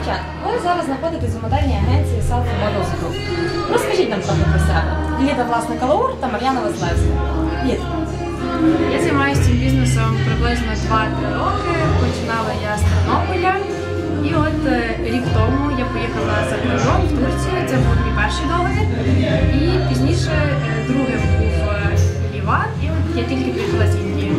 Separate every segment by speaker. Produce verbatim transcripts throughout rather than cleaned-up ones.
Speaker 1: Дівчата, ви зараз знаходитесь у модельній агенції Selfie Models Group. Розкажіть нам трохи про себе. Ліда власник Алаур та Мар'яна Василевська. Ліда.
Speaker 2: Я займаюся цим бізнесом приблизно два-три роки. Починала я з Тернополя. І от рік тому я поїхала за кордон в Турцію. Це був мій перший договір. І пізніше другим був Ліван. І от я тільки приїхала з Індії.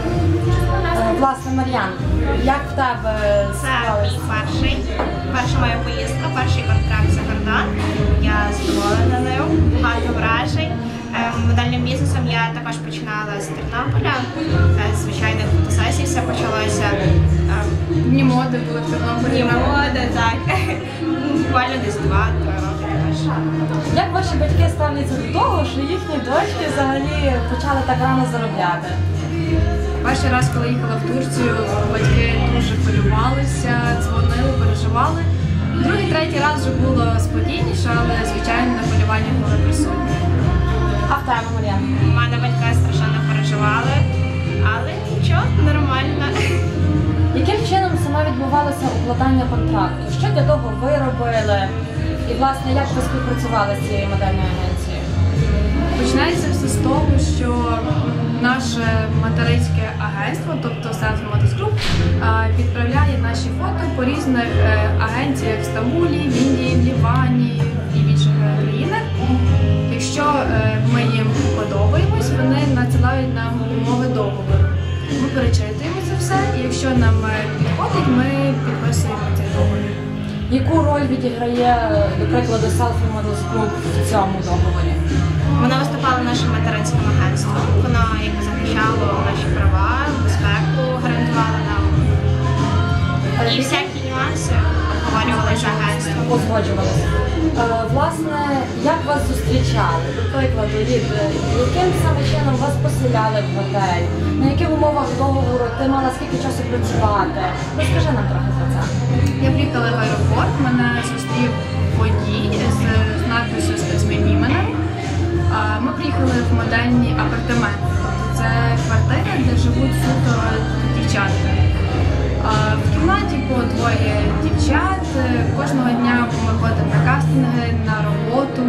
Speaker 1: Власне, Мар'ян, як в тебе
Speaker 3: Це мій перший, перша моя поїздка, перший контракт за кордон. Я задоволена ним, багато вражень. Модельним бізнесом я також починала з Тернополя, з звичайних фотосесій все почалося.
Speaker 2: Дні моди були в Тернополі.
Speaker 3: Дні моди, так. Буквально десь два-три роки також.
Speaker 1: Як ваші батьки ставляться до того, що їхні дочки взагалі почали так рано заробляти?
Speaker 2: Перший раз, коли їхала в Турцію, батьки дуже хвилювалися, дзвонили, переживали. Другий, третій раз вже було спокійніше, але, звичайно, на хвилювання були присутні.
Speaker 1: А в тебе, Мар'яна?
Speaker 3: У мене батьки страшенно переживали, але нічого, нормально.
Speaker 1: Яким чином саме відбувалося укладання контракту? Що для того ви робили? І, власне, як ви співпрацювали з цією модельною агенцією?
Speaker 2: Починається все з того, що наше материнське агентство, тобто Selfie Models Group, відправляє наші фото по різних агенціях в Стамбулі, в Індії, в Лівані і в інших країнах. Якщо ми їм подобаємось, вони надсилають нам умови договору. Ми перечитуємо це все, і якщо нам підходить, ми підписуємо цей договір.
Speaker 1: Яку роль відіграє, до прикладу, Selfie Models Group в цьому договорі?
Speaker 3: Вона виступала нашим материнським агентством. Воно якби захищало наші права, безпеку гарантувало нам. І всякі нюанси обговорювали з агентством.
Speaker 1: Узгоджувалися. Е, власне, як вас зустрічали? До прикладу, Лід, яким саме чином вас поселяли в готель? На яких умовах договору ти мала скільки часу працювати? Розкажи нам трохи про це.
Speaker 2: Я приїхала в аеропорт, мене зустрів водій з надписю з моїм іменем. Ми приїхали в модельні апартаменти. Це квартира, де живуть суто дівчатка. В кімнаті по двоє дівчат. Кожного дня ми ходимо на кастинги, на роботу.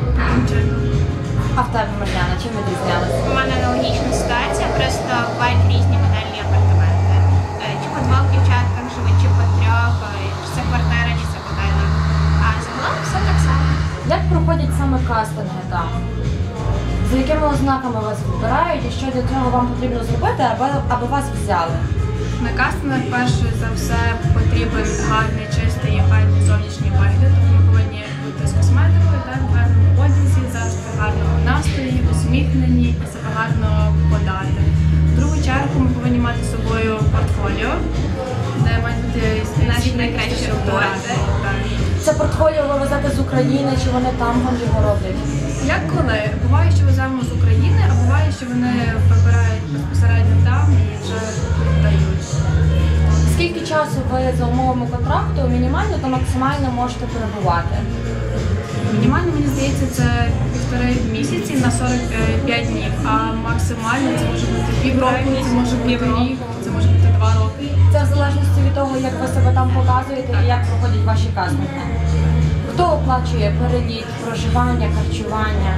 Speaker 1: А в тебе, Мар'яна, чим відрізнялися?
Speaker 3: У мене аналогічна ситуація, просто бувають різні модельні апартаменти. Чи по двох дівчатках живуть, чи по трьох, чи це квартира, чи це будинок. А загалом все так само.
Speaker 1: Як проходять саме кастинги там? За якими ознаками вас вибирають і що для цього вам потрібно зробити, аби, аби вас взяли?
Speaker 2: На кастингах перше за все потрібен гарний, чистий і гарний зовнішній вигляд. Ми повинні бути з косметикою, так, в гарному одязі, завжди в гарному настрої, усміхнені і себе гарно подати. В другу чергу ми повинні мати з собою портфоліо, де мають бути
Speaker 3: Наші найкращі роботи.
Speaker 1: Це портфоліо ви везете з України, чи вони там вам його роблять?
Speaker 2: Як коли? Буває, що веземо з України, а буває, що вони вибирають безпосередньо там і вже дають.
Speaker 1: Скільки часу ви за умовами контракту мінімально та максимально можете перебувати?
Speaker 2: Мінімально, мені здається, це півтори місяці на сорок п'ять днів, а максимально це може бути півроку, це може бути рік, це може бути два роки.
Speaker 1: Це в залежності від того, як ви себе там показуєте і як проходять ваші кастинги. Хто оплачує переліт, проживання, харчування?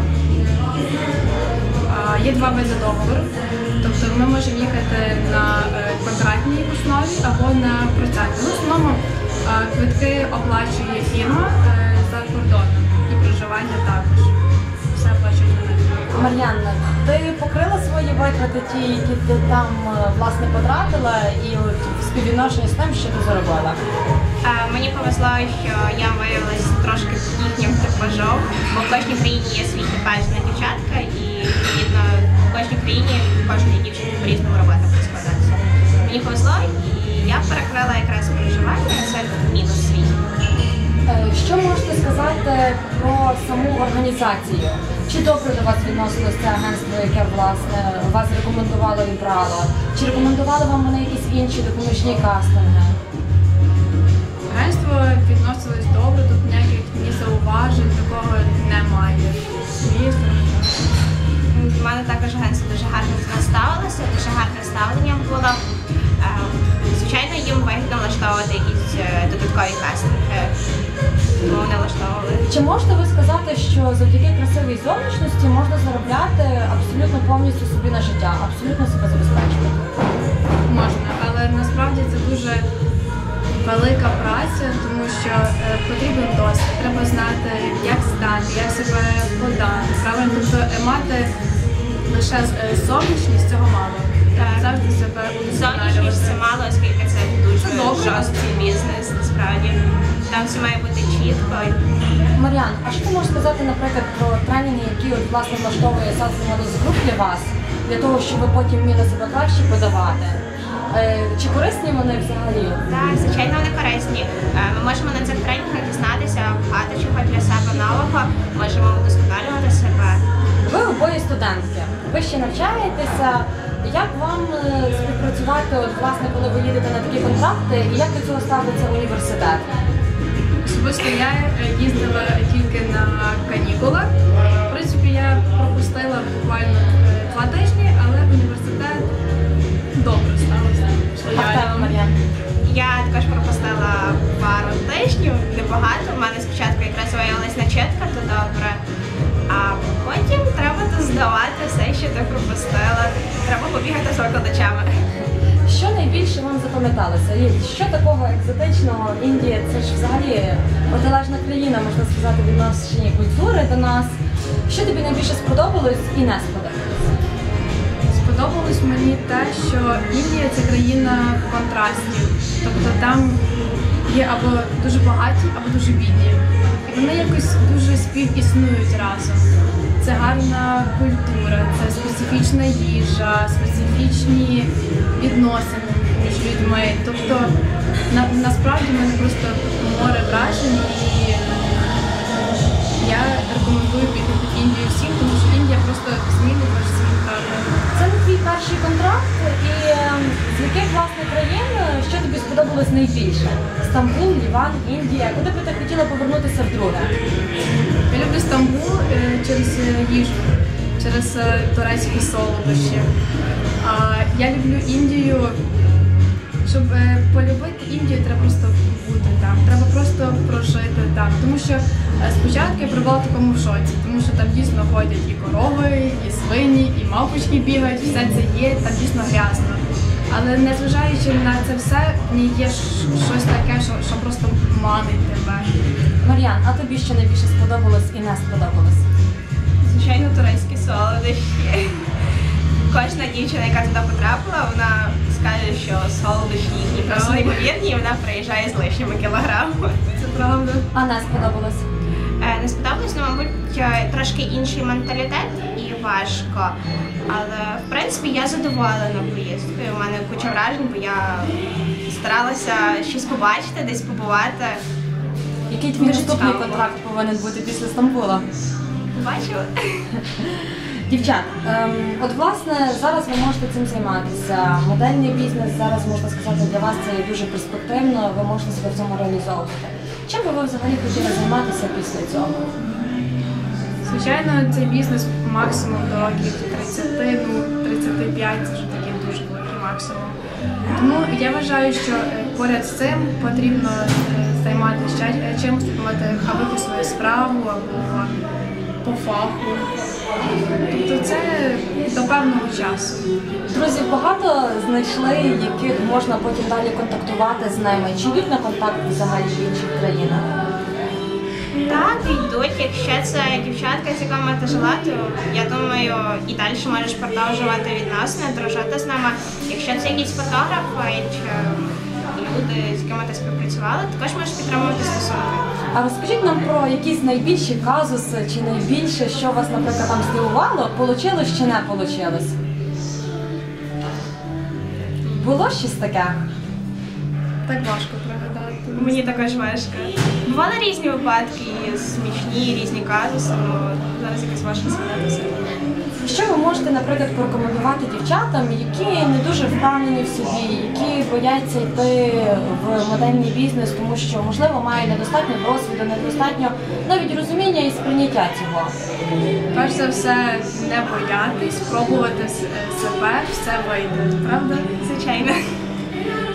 Speaker 2: Є два види договору. Тобто ми можемо їхати на контрактній основі або на процентній. В основному квитки оплачує фірма за кордоном і проживання також. Все оплачує на них.
Speaker 1: Мар'яна, ти покрила свої витрати ті, які ти там власне потратила, і от в співвідношенні з тим, що ти заробила?
Speaker 3: Мені повезло, що я виявилася трошки їхнім типажом, бо в кожній країні є свій типаж на дівчатка, і відповідно в кожній країні кожній дівчині по-різному робота буде складатися. Мені повезло, і я перекрила якраз проживання, це мінус свій.
Speaker 1: Що можете сказати про саму організацію? Чи добре до вас відносилось це агентство, яке власне вас рекомендувало і брало? Чи рекомендували вам вони якісь інші допоміжні кастинги?
Speaker 2: Агентство відносилось добре, тут ніяких ні зауважень, такого немає.
Speaker 3: У мене також агентство дуже гарно з нас ставилося, дуже гарне ставлення було. Звичайно, їм вигідно влаштовувати якісь додаткові кастинги.
Speaker 1: Чи можете ви сказати, що завдяки красивій зовнішності можна заробляти абсолютно повністю собі на життя, абсолютно себе забезпечувати?
Speaker 2: Можна, але насправді це дуже велика праця, тому що е, потрібен досвід, треба знати, як стати, як себе подати, правильно, тобто е, мати лише е, зовнішність цього мало.
Speaker 3: Так.
Speaker 2: Завжди себе
Speaker 3: Зовнішність це
Speaker 2: удосконалювати.
Speaker 3: мало, оскільки це дуже
Speaker 2: Це добре.
Speaker 3: жорсткий бізнес, насправді. Там все має бути чітко.
Speaker 1: Мар'ян, а що ти можеш сказати, наприклад, про тренінги, які от, власне влаштовує Salsa Models Group для вас, для того, щоб ви потім вміли себе краще подавати? Е, Чи корисні вони взагалі?
Speaker 3: Так, звичайно, вони корисні. Е, Ми можемо на цих тренінгах дізнатися багато чого для себе нового, можемо удосконалювати себе.
Speaker 1: Ви обоє студентки, ви ще навчаєтеся. Як вам е, співпрацювати, от, власне, коли ви їдете на такі контракти, і як до цього ставиться університет?
Speaker 2: Особисто я е, їздила тільки на канікулах. В принципі, я пропустила буквально е, два тижні, але університет добре ставився.
Speaker 1: А в тебе, Мар'ян?
Speaker 3: Я також пропустила пару тижнів, небагато. У мене спочатку якраз виявилась начетка, то добре. А потім треба то здавати все, що ти пропустила. Треба побігати з викладачами.
Speaker 1: Що найбільше вам запам'яталося? І що такого екзотичного? Індія це ж взагалі протилежна країна, можна сказати, в відношенні культури до нас. Що тобі найбільше сподобалось і не сподобалось?
Speaker 2: Сподобалось мені те, що Індія це країна контрастів. Тобто там є або дуже багаті, або дуже бідні. І вони якось дуже співіснують разом. Це гарна культура, це специфічна їжа, специфічні відносини між людьми. Тобто на, насправді в мене просто море вражень, і я рекомендую піти в Індію всім, тому що Індія просто змінить ваш світ.
Speaker 1: Це не твій перший контракт, і е, з яких власне країн, що тобі сподобалось найбільше? Стамбул, Ліван, Індія. Куди би ти хотіла повернутися вдруге?
Speaker 2: Я люблю Стамбул е, через е, їжу, через е, турецькі солодощі. А я люблю Індію. Щоб е, полюбити Індію, треба просто бути там, треба просто прожити там. Тому що е, спочатку я пробувала в такому шоці, тому що там дійсно ходять і корови, і свині, і мавпочки бігають, все це є, там дійсно грязно. Але незважаючи на це все, в ній є ш- щось таке, що, що просто манить тебе.
Speaker 1: Мар'ян, а тобі що найбільше сподобалось і не сподобалось?
Speaker 3: Звичайно, турецькі солодощі. Кожна дівчина, яка туди потрапила, вона скаже, що солодощі їхні просто неймовірні, і вона приїжджає з лишніми кілограмами.
Speaker 2: Це правда.
Speaker 1: А не сподобалось?
Speaker 3: Е, Не сподобалось, ну, мабуть, е, трошки інший менталітет і важко. Але, в принципі, я задоволена поїздкою. У мене куча вражень, бо я старалася щось побачити, десь побувати.
Speaker 1: Який твій
Speaker 3: Дуже
Speaker 1: наступний
Speaker 3: цікаво.
Speaker 1: контракт повинен бути після Стамбула?
Speaker 3: Побачила.
Speaker 1: Дівчат, ем, от власне зараз ви можете цим займатися. Модельний бізнес зараз, можна сказати, для вас це є дуже перспективно, ви можете себе в цьому реалізовувати. Чим би ви взагалі хотіли займатися після цього?
Speaker 2: Звичайно, цей бізнес максимум до років тридцять, ну тридцять п'ять це вже такий дуже великий максимум. Тому я вважаю, що е, поряд з цим потрібно е, займатися ще е, чимось, мати або якусь свою справу, або по фаху. Тобто це до певного часу.
Speaker 1: Друзі, багато знайшли, яких можна потім далі контактувати з ними. Чи йдуть на контакт взагалі в інших країнах?
Speaker 3: Так, йдуть. Якщо це дівчатка, з якими ти жила, то я думаю, і далі можеш продовжувати відносини, дружити з нами. Якщо це якісь фотографи чи люди, з якими ти співпрацювала, також можеш підтримувати стосунки.
Speaker 1: А розкажіть нам про якісь найбільші казуси, чи найбільше, що вас, наприклад, там здивувало, получилось чи не получилось? Було щось таке?
Speaker 2: Так важко пригадати.
Speaker 3: Мені також важко. Бували різні випадки, і смішні, різні казуси, але зараз якось важко згадатися.
Speaker 1: Що ви можете, наприклад, порекомендувати дівчатам, які не дуже впевнені в собі, які бояться йти в модельний бізнес, тому що, можливо, мають недостатньо досвіду, недостатньо навіть розуміння і сприйняття цього?
Speaker 2: Перш за все, не боятись, спробувати с- себе, все вийде, правда?
Speaker 3: Звичайно.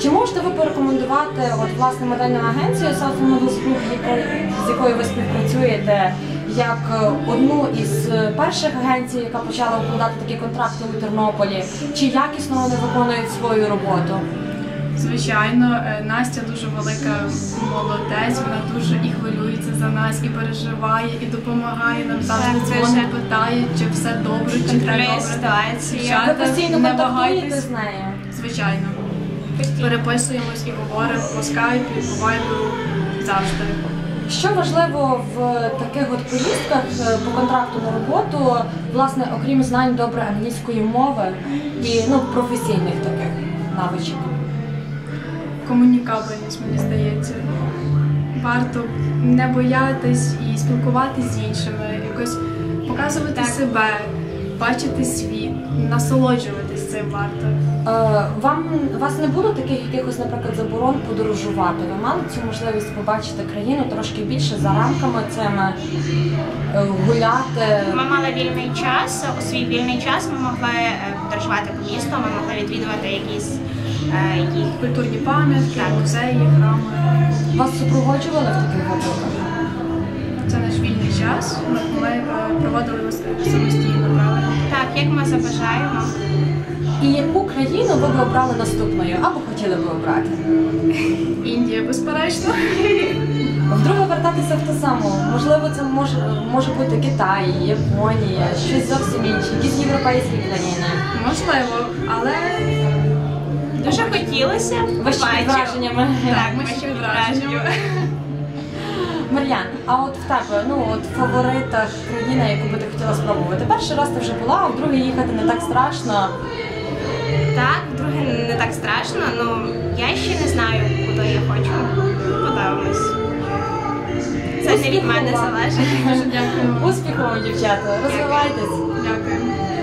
Speaker 1: Чи можете ви порекомендувати от, власне модельну агенцію Southern Models Group, яко- з якою ви співпрацюєте, як е, одну із е, перших агенцій, яка почала укладати такі контракти у Тернополі? Чи якісно вони виконують свою роботу?
Speaker 2: Звичайно, е, Настя дуже велика молодець, вона дуже і хвилюється за нас, і переживає, і допомагає нам завжди
Speaker 3: Так,
Speaker 2: дзвонить,
Speaker 3: дуже.
Speaker 2: питає, чи все добре, чи все
Speaker 3: Контролює
Speaker 2: добре.
Speaker 3: ситуацію.
Speaker 2: Дівчата,
Speaker 1: Ви постійно
Speaker 2: не
Speaker 1: контактуєте
Speaker 2: вагайтесь.
Speaker 1: з нею?
Speaker 2: Звичайно.
Speaker 3: Постійно.
Speaker 2: Переписуємось і говоримо по скайпу, по вайбу завжди.
Speaker 1: Що важливо в таких от поїздках е, по контракту на роботу, власне, окрім знань добре англійської мови і ну, професійних таких навичок?
Speaker 2: Комунікабельність, мені здається. Варто не боятись і спілкуватися з іншими, якось показувати
Speaker 3: Так.
Speaker 2: себе, бачити світ, насолоджуватись цим варто.
Speaker 1: Е, Вам у вас не було таких якихось, наприклад, заборон подорожувати? Ви мали цю можливість побачити країну трошки більше за рамками цими, е, гуляти?
Speaker 3: Ми мали вільний час. У свій вільний час ми могли е, подорожувати по місту, ми могли відвідувати якісь е, їх.
Speaker 2: Культурні пам'ятки,
Speaker 3: Так.
Speaker 2: музеї, храми.
Speaker 1: Вас супроводжували в таких випадках?
Speaker 2: Це наш вільний час. Ми е, проводили його самостійно, правильно?
Speaker 3: Так, як ми забажаємо.
Speaker 1: І яку країну ви б обрали наступною, або хотіли б обрати?
Speaker 2: Індія, безперечно.
Speaker 1: Вдруге вертатися в те саме. Можливо, це може, може бути Китай, Японія, щось зовсім інше, якісь європейські країни.
Speaker 2: Можливо, але
Speaker 3: Дуже хотілося.
Speaker 1: Ви ще під
Speaker 3: Бачу.
Speaker 1: враженнями.
Speaker 3: Так,
Speaker 2: ми ще під враженнями.
Speaker 1: Мар'ян, а от в тебе, ну от в фаворитах країна, яку би ти хотіла спробувати? Перший раз ти вже була, а вдруге їхати не так страшно.
Speaker 3: Так, друге не так страшно, ну я ще не знаю, куди я хочу. Подивимось. Це не від мене
Speaker 1: Успіху вам.
Speaker 3: залежить.
Speaker 2: дуже дякую.
Speaker 1: Успіху вам, дівчата, розвивайтесь.
Speaker 2: Дякую.